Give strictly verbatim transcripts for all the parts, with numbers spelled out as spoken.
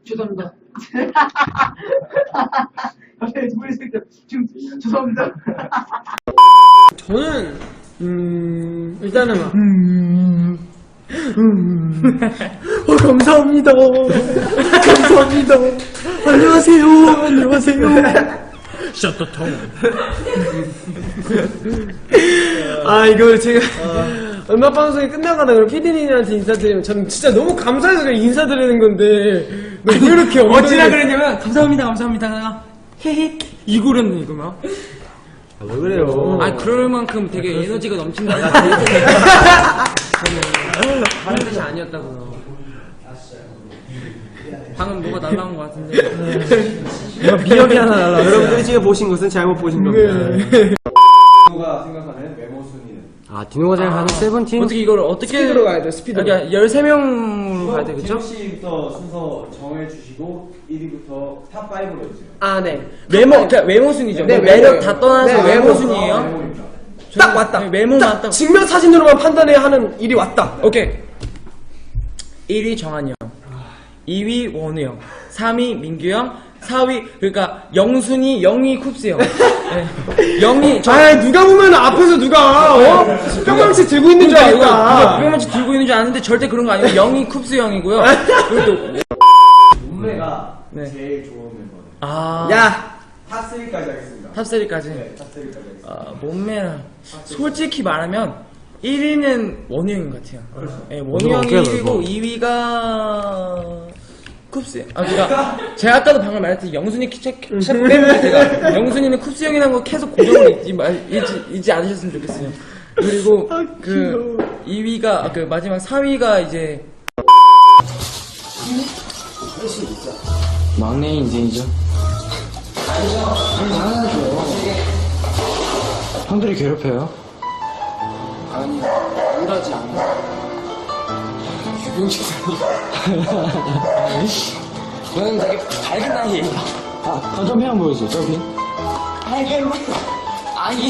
죄송합니다. 갑자기 두 분이 있을 때 지금 죄송합니다. 저는 음 일단은 막 음, 음. 어, 감사합니다. 감사합니다. 안녕하세요. 안녕하세요. 셔터통. 아 이거 제가 음악 방송이 끝나가다 그럼 피디님한테 인사드리면 저는 진짜 너무 감사해서 그냥 인사드리는 건데 왜 이렇게 어찌나 그랬냐면 감사합니다 감사합니다 헤헤 이거랬네 이거 막. 아, 왜 그래요? 아 그럴 만큼 되게 에너지가 넘친다. 다른 뜻이 아니었다고요. 방금 뭐가 날라온 것 같은데. 비염이 하나 날라. 여러분들이 지금 보신 것은 잘못 보신 겁니다. 디노가 생각하는 메모 순위는? 아 디노가 생각하는 세븐틴. 어떻게 이걸 어떻게 스피드로 가야 돼. 스피드로. 그러니까 열세 명으로 가야 돼 그쵸? 디노 씨부터 순서 정해주시고 일 위부터 탑 파이브로 해주세요. 아 네. 외모 그러니까 외모 순위죠. 네, 뭐 매력 외모예요. 다 떠나서 네, 외모 외모. 순위예요. 아, 메모입니다. 딱 왔다. 네, 외모만 딱 딱. 증명 사진으로만 판단해야 하는 일이 왔다. 오케이. 일 위 정한이 형, 이 위 원우 형, 삼 위 민규 형, 사 위 그러니까 영순이, 영희, 쿱스 형. 네. 영희 저 아 누가 보면 앞에서 누가 어? 뿅망치 들고 있는 줄 알겠다. 뿅망치 들고 있는 줄 아는데 절대 그런 거 아니고 영희, 쿱스 형이고요. 그리고 또 몸매가 네. 제일 좋은 멤버는? 아. 야 탑 쓰리까지 하겠습니다. 탑 쓰리까지. 네, 탑 쓰리까지 하겠습니다. 아, 몸매랑 솔직히 말하면 일 위는 원우 형인 것 같아요. 네, 원우 형이 일 위고 이 위가 쿱스. 아, 그니까 제가 아까도 방금 말했듯이 영순이 키책 빼면 제가 영순이는 쿱스 형이라는 거 계속 고정을 잊지, 말, 잊지, 잊지 않으셨으면 좋겠어요. 그리고 그 이 위가 그 마지막 사 위가 이제 막내 인생이죠. 형들이 괴롭혀요. 아니 우울하지 않아. 유병식사님. 저는 되게 밝은 나이에요. 아, 아 점핑 한번 보여주세요. 점핑. 밝은 아니.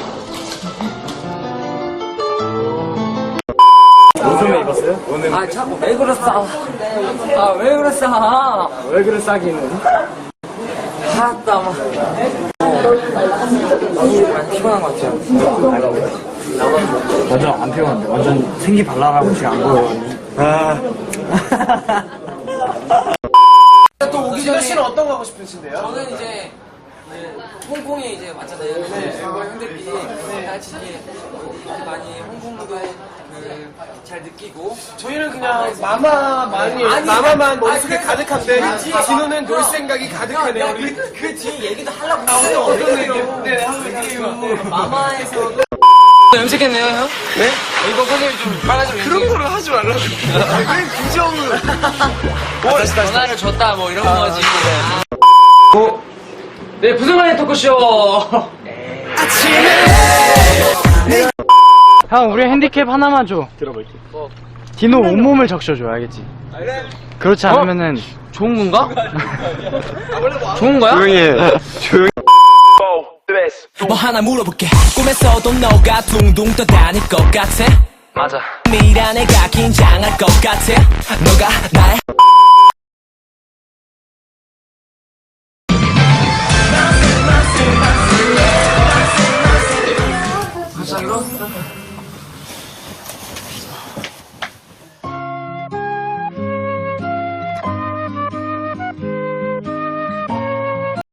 무슨 애 입었어요? 오늘 아 자꾸 왜 그랬어? 아 왜 그랬어? 왜 그래 싸기는? 아따 막. 많이 피곤한 것 같아요. 완전 안 피곤한데. 완전 생기 발랄하고 지금 안 보여요. 아. 또 오기 전에 씨는 어떤 거 하고 싶으신데요? 저는 이제 그 홍콩에 이제 왔잖아요. 네. 형들끼리 다 같이 이제 많이 홍콩 무대 잘 느끼고. 저희는 그냥 마마만이 아니, 마마만 아니, 머릿속에 아니, 가득한데 아니, 디노는 놀 생각이 가득하네요. 야, 우리. 그, 그 뒤에 얘기도 하려고 아, 했어요. 어떤 얘기요? 네, 한번 얘기해요. 마마에서도 염색했네요, 형? 네? 이거 선생님 좀 빨라지면 그런 거를 하지 말라고. 왜 부정을. 뭐 전화를 줬다 뭐 이런 거지. 네, 부승환의 토크쇼. 형, 우리 핸디캡 하나만 줘. 들어볼게. 디노 온몸을 적셔줘, 알겠지? 그렇지 않으면은 좋은 건가? 좋은 거야? 조용히 해. 조용히. 뭐 하나 물어볼게. 꿈에서도 너가 둥둥 떠다닐 것 같아. 맞아. 미란애가 긴장할 것 같아. 너가 나의